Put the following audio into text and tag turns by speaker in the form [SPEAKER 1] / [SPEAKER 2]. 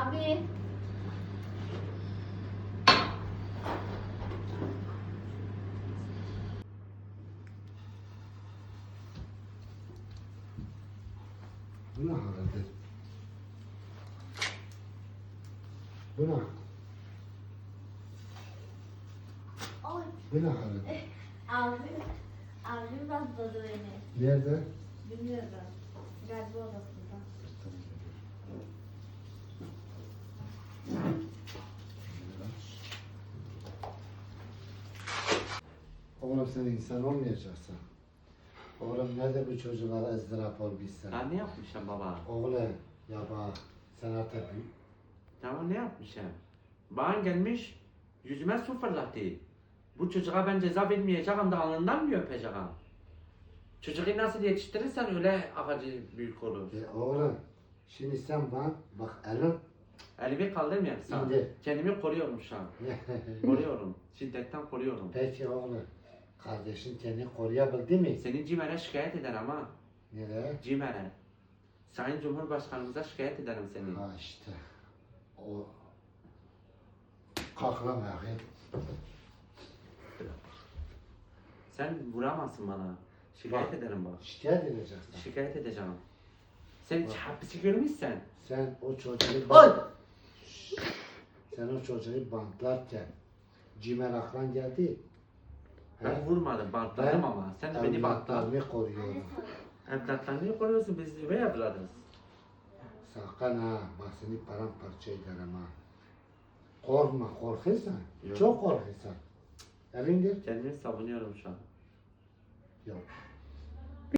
[SPEAKER 1] Abi.
[SPEAKER 2] Bu ne halde? Bu ne?
[SPEAKER 1] Oy.
[SPEAKER 2] Bu ne halde?
[SPEAKER 1] Abim rastladı beni.
[SPEAKER 2] Nerede?
[SPEAKER 1] Bilmiyorum. Galiba odasında.
[SPEAKER 2] Oğlum sen insan olmayacaksın. Oğlum nerede bu çocuklara ızdırap olmuşsun?
[SPEAKER 3] Ben ne yapmışım baba?
[SPEAKER 2] Oğlum ya bak sen artık büyük.
[SPEAKER 3] Tamam ne yapmışım? Bana gelmiş yüzüme su fırlattı. Bu çocuğa ben ceza vermeyeceğim de alnından mı öpeceğim? Çocuğu nasıl yetiştirirsen öyle ağacı büyük olur.
[SPEAKER 2] Oğlum şimdi sen bak elin
[SPEAKER 3] Elimi kaldırmayayım sana.
[SPEAKER 2] İndir.
[SPEAKER 3] Kendimi koruyorum şu an. Koruyorum. Şiddetten koruyorum.
[SPEAKER 2] Peki oğlum kardeşin kendini koruyabildi mi?
[SPEAKER 3] Seni CİMER'e şikayet eder ama.
[SPEAKER 2] Nereye?
[SPEAKER 3] CİMER'e. Sayın Cumhurbaşkanımıza şikayet ederim seni.
[SPEAKER 2] Ha işte o kalk lan bakayım.
[SPEAKER 3] Sen vuramazsın bana. Şikayet ederim bak.
[SPEAKER 2] Şikayet edeceksin.
[SPEAKER 3] Şikayet edeceğim. Sen hiç hapisi görmüşsen.
[SPEAKER 2] Sen o çocuğu
[SPEAKER 3] Oy!
[SPEAKER 2] Sen o çocuğu bantlarken cimer aklan geldi.
[SPEAKER 3] Ben
[SPEAKER 2] He?
[SPEAKER 3] vurmadım, bantladım ama. Sen de beni bantladın.
[SPEAKER 2] evlatlarını koruyorum.
[SPEAKER 3] Evlatlarını koruyorsun, biz üvey evladız.
[SPEAKER 2] Sakın ha, bak seni paramparça ederim ha. Korkma, korkuyorsan.
[SPEAKER 3] Yok.
[SPEAKER 2] Çok korkuyorsan. Elindir.
[SPEAKER 3] Kendimi savunuyorum şu an.
[SPEAKER 2] Yok.